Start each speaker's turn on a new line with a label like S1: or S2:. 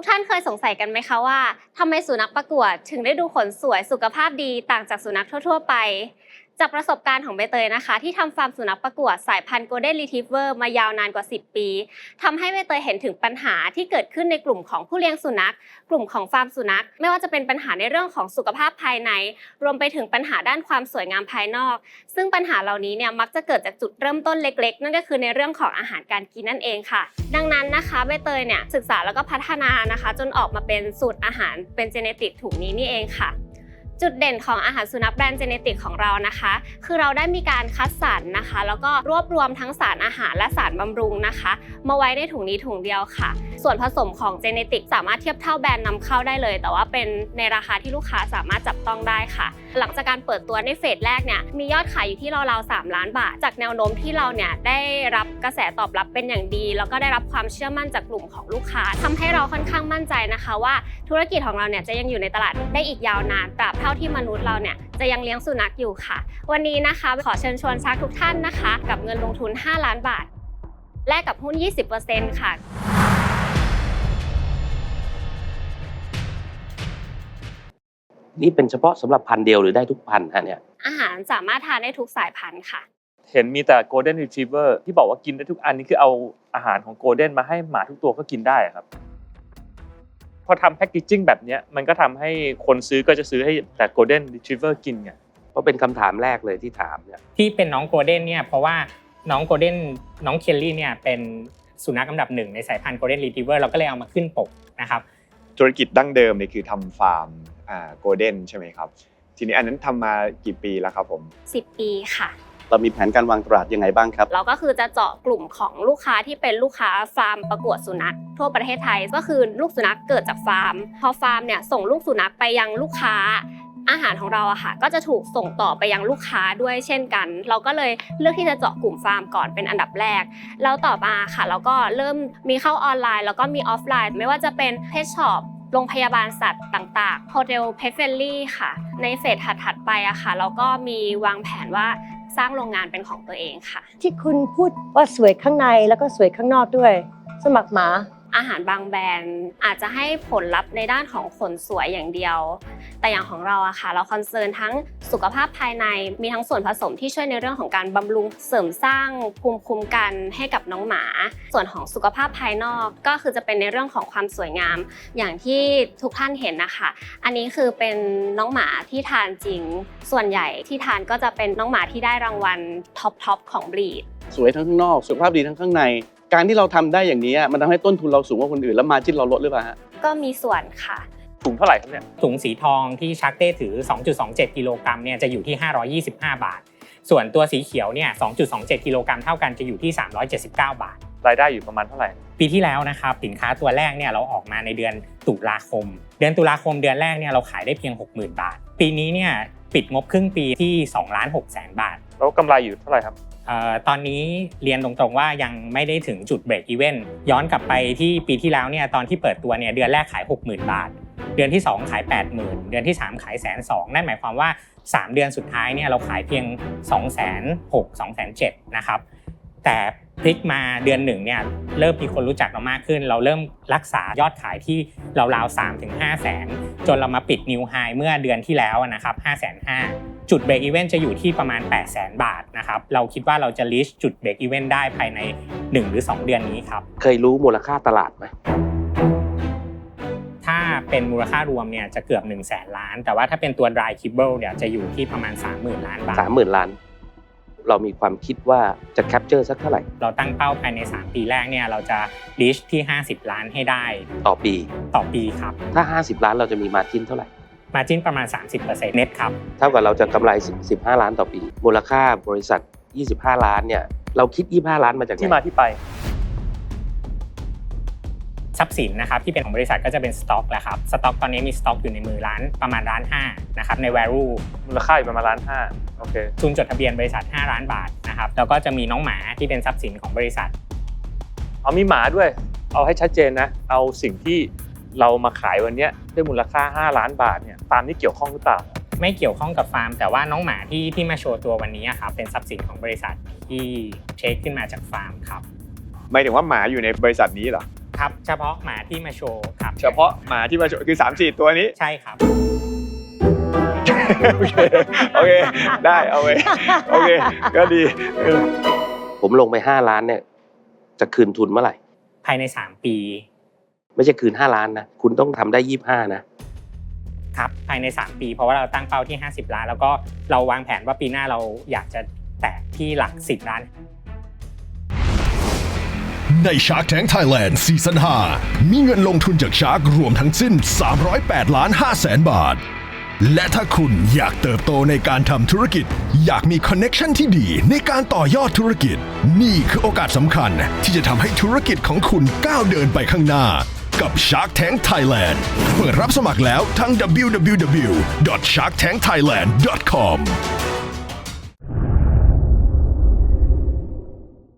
S1: กท่านเคยสงสัยกันไหมคะว่าทำไมสุนัขประกวดถึงได้ดูขนสวยสุขภาพดีต่างจากสุนัขทั่วๆไปจากประสบการณ์ของใบเตยนะคะที่ทำฟาร์มสุนัขประกวดสายพันธุ์ Golden Retriever มายาวนานกว่า10 ปีทำให้ใบเตยเห็นถึงปัญหาที่เกิดขึ้นในกลุ่มของผู้เลี้ยงสุนัขกลุ่มของฟาร์มสุนัขไม่ว่าจะเป็นปัญหาในเรื่องของสุขภาพภายในรวมไปถึงปัญหาด้านความสวยงามภายนอกซึ่งปัญหาเหล่านี้เนี่ยมักจะเกิดจากจุดเริ่มต้นเล็กๆนั่นก็คือในเรื่องของอาหารการกินนั่นเองค่ะดังนั้นนะคะใบเตยเนี่ยศึกษาแล้วก็พัฒนานะคะจนออกมาเป็นสูตรอาหารเป็นเจเนติกถุงนี้นี่เองค่ะจุดเด่นของอาหารสุนัขแบรนด์เจเนติกของเรานะคะคือเราได้มีการคัดสรรนะคะแล้วก็รวบรวมทั้งสารอาหารและสารบำรุงนะคะมาไว้ในถุงนี้ถุงเดียวค่ะส่วนผสมของเจเนติกสามารถเทียบเท่าแบรนด์นำเข้าได้เลยแต่ว่าเป็นในราคาที่ลูกค้าสามารถจับต้องได้ค่ะหลังจากการเปิดตัวในเฟสแรกเนี่ยมียอดขายอยู่ที่ราวๆ3 ล้านบาทจากแนวโน้มที่เราเนี่ยได้รับกระแสตอบรับเป็นอย่างดีแล้วก็ได้รับความเชื่อมั่นจากกลุ่มของลูกค้าทำให้เราค่อนข้างมั่นใจนะคะว่าธุรกิจของเราเนี่ยจะยังอยู่ในตลาดได้อีกยาวนานตราบเท่าที่มนุษย์เราเนี่ยจะยังเลี้ยงสุนัขอยู่ค่ะวันนี้นะคะขอเชิญชวนชักทุกท่านนะคะกับเงินลงทุน5 ล้านบาทแลกกับหุ้น 20% ค่ะ
S2: นี่เป็นเฉพาะสำหรับพันธุ์เดียวหรือได้ทุกพันธุ์ฮะเนี่ย
S1: อาหารสามารถทานได้ทุกสายพันธุ์ค่ะ
S3: เห็นมีแต่ Golden Retriever ที่บอกว่ากินได้ทุกอันนี่คือเอาอาหารของ Golden มาให้หมาทุกตัวก็กินได้ครับพอทำแพคเกจจิ้งแบบนี้มันก็ทำให้คนซื้อก็จะซื้อให้แต่ Golden Retriever กินไง
S2: เพราะเป็นคำถามแรกเลยที่ถามเนี่ย
S4: ที่เป็นน้องโกลเด้นเนี่ยเพราะว่าน้องโกลเด้นน้องเคลลี่เนี่ยเป็นสุนัขอันดับ1ในสายพันธุ์ Golden Retriever เราก็เลยเอามาขึ้นปกนะครับ
S5: ธุรกิจดั้งเดิมเนี่ยคือทำฟาร์มโกลเด้นใช่ไหมครับทีนี้อันนั้นทำมากี่ปีแล้วครับผม
S1: 10 ปีค่ะ
S2: เรามีแผนการวางตลาดยังไงบ้างครับ
S1: เราก็คือจะเจาะกลุ่มของลูกค้าที่เป็นลูกค้าฟาร์มประกวดสุนัขทั่วประเทศไทยก็คือลูกสุนัขเกิดจากฟาร์มพอฟาร์มเนี่ยส่งลูกสุนัขไปยังลูกค้าอาหารของเราอะค่ะก็จะถูกส่งต่อไปยังลูกค้าด้วยเช่นกันเราก็เลยเลือกที่จะเจาะกลุ่มฟาร์มก่อนเป็นอันดับแรกแล้วต่อมาค่ะเราก็เริ่มมีเข้าออนไลน์แล้วก็มีออฟไลน์ไม่ว่าจะเป็นเพจช็อปโรงพยาบาลสัตว์ต่างๆโฮเทลเพทเฟลลี่ค่ะในเฟสถัดๆไปอะค่ะเราก็มีวางแผนว่าสร้างโรงงานเป็นของตัวเองค่ะ
S6: ที่คุณพูดว่าสวยข้างในแล้วก็สวยข้างนอกด้วยสมัครหมา
S1: อาหารบางแบรนด์อาจจะให้ผลลัพธ์ในด้านของขนสวยอย่างเดียวแต่อย่างของเราอะค่ะเราคอนเซิร์นทั้งสุขภาพภายในมีทั้งส่วนผสมที่ช่วยในเรื่องของการบำรุงเสริมสร้างภูมิคุ้มกันให้กับน้องหมาส่วนของสุขภาพภายนอกก็คือจะเป็นในเรื่องของความสวยงามอย่างที่ทุกท่านเห็นนะคะอันนี้คือเป็นน้องหมาที่ทานจริงส่วนใหญ่ที่ทานก็จะเป็นน้องหมาที่ได้รางวัลท็อปของบรีด
S2: สวยทั้งข้างนอกสุขภาพดีทั้งข้างในการที่เราทำได้อย่างนี้มันทำให้ต้นทุนเราสูงกว่าคนอื่นแล้วมาร์จิ้นเราลดหรือเปล่าฮะ
S1: ก็มีส่วนค่ะ
S3: ถุงเท่าไหร่ครับเนี่ย
S4: ถุงสีทองที่ชักเต้ถือ 2.27 กิโลกรัมเนี่ยจะอยู่ที่525 บาทส่วนตัวสีเขียวเนี่ย 2.27 กิโลกรัมเท่ากันจะอยู่ที่379 บาท
S3: รายได้อยู่ประมาณเท่าไหร่
S4: ปีที่แล้วนะครับสินค้าตัวแรกเนี่ยเราออกมาในเดือนตุลาคมเดือนแรกเนี่ยเราขายได้เพียง 60,000 บาทปีนี้เนี่ยปิดงบครึ่งปีที่2,600,000 บาท
S3: แล้วกำไรอยู่เท่าไหร่ครับ
S4: ตอนนี้เรียนตรงๆว่ายังไม่ได้ถึงจุดเบรกอีเวนต์ย้อนกลับไปที่ปีที่แล้วเนี่ยตอนที่เปิดตัวเนี่ยเดือนแรกขาย 60,000 บาทเดือนที่2ขาย 80,000 เดือนที่3ขาย 120,000 นั่นหมายความว่า3เดือนสุดท้ายเนี่ยเราขายเพียง 260,000 270,000 นะครับแต่พลิกมาเดือน1เนี่ยเริ่มมีคนรู้จักเรามากขึ้นเราเริ่มรักษายอดขายที่ราวๆ 3-5 แสนจนเรามาปิดนิวไฮเมื่อเดือนที่แล้วนะครับ 550,000 จุดเบรกอีเวนต์จะอยู่ที่ประมาณ 800,000 บาทนะครับเราคิดว่าเราจะรีชจุดเบรกอีเวนต์ได้ภายใน1หรือ2เดือนนี้ครับ
S2: เคยรู้มูลค่าตลาดไหม
S4: ถ้าเป็นมูลค่ารวมเนี่ยจะเกือบ100,000 ล้านแต่ว่าถ้าเป็นตัว dry kibble เนี่ยจะอยู่ที่ประมาณ 30,000 ล้านบาท
S2: 30,000 ล้านเรามีความคิดว่าจะแคปเจอร์สักเท่าไหร่
S4: เราตั้งเป้าภายใน3ปีแรกเนี่ยเราจะรีชที่50 ล้านให้ได้
S2: ต่อปี
S4: ครับ
S2: ถ้า50 ล้านเราจะมีมาร์จิ้นเท่าไหร่
S4: มาร์จิ้นประมาณ 30% เน็ตครับ
S2: เท่ากับเราจะกำไร15 ล้านต่อปีมูลค่าบริษัท25 ล้านเนี่ยเราคิด25 ล้านมาจากไหน
S3: ที่มาที่ไป
S4: ทรัพย์สินนะครับที่เป็นของบริษัทก็จะเป็นสต็อกแหละครับสต็อกตอนนี้มีสต็อกอยู่ในมือประมาณ1.5 ล้านนะครับใน value
S3: มูลค่าอยู่ประมาณ1.5 ล้านโอเค
S4: ทุนจดทะเบียนบริษัท5 ล้านบาทนะครับแล้วก็จะมีน้องหมาที่เป็นทรัพย์สินของบริษัท
S3: เอามีหมาด้วยเอาให้ชัดเจนนะเอาสิ่งที่เรามาขายวันนี้ด้วยมูลค่า5 ล้านบาทเนี่ยฟาร์มนี่เกี่ยวข้องหรือเปล่า
S4: ไม่เกี่ยวข้องกับฟาร์มแต่ว่าน้องหมาที่มาโชว์ตัววันนี้ครับเป็นทรัพย์สินของบริษัทที่เช็คขึ้นมาจากฟาร์มครับ
S5: หมายถึงว่าหมาอยู่ในบริษัทนี้เหรอ
S4: ครับ เฉพาะหมาที่มาโชว์ครับ
S5: เฉพาะหมาที่มาโชว์คือ3-4 ตัวนี้
S4: ใช่ครับ
S5: โอเคได้เอาไว้โอเคก็ดี
S2: ผมลงไป5 ล้านเนี่ยจะคืนทุนเมื่อไหร่
S4: ภายใน3 ปี
S2: ไม่ใช่คืน5 ล้านนะคุณต้องทำได้25นะ
S4: ครับภายใน3 ปีเพราะว่าเราตั้งเป้าที่50 ล้านแล้วก็เราวางแผนว่าปีหน้าเราอยากจะแตะที่หลัก10 ล้าน
S7: ใน Shark Tank Thailand ซีซั่น 5 มีเงินลงทุนจาก Shark รวมทั้งสิ้น 308.5 ล้านบาท และถ้าคุณอยากเติบโตในการทำธุรกิจ อยากมีคอนเน็กชันที่ดีในการต่อยอดธุรกิจ นี่คือโอกาสสำคัญที่จะทำให้ธุรกิจของคุณก้าวเดินไปข้างหน้า กับ Shark Tank Thailand เปิดรับสมัครแล้วทั้ง www.sharktankthailand.com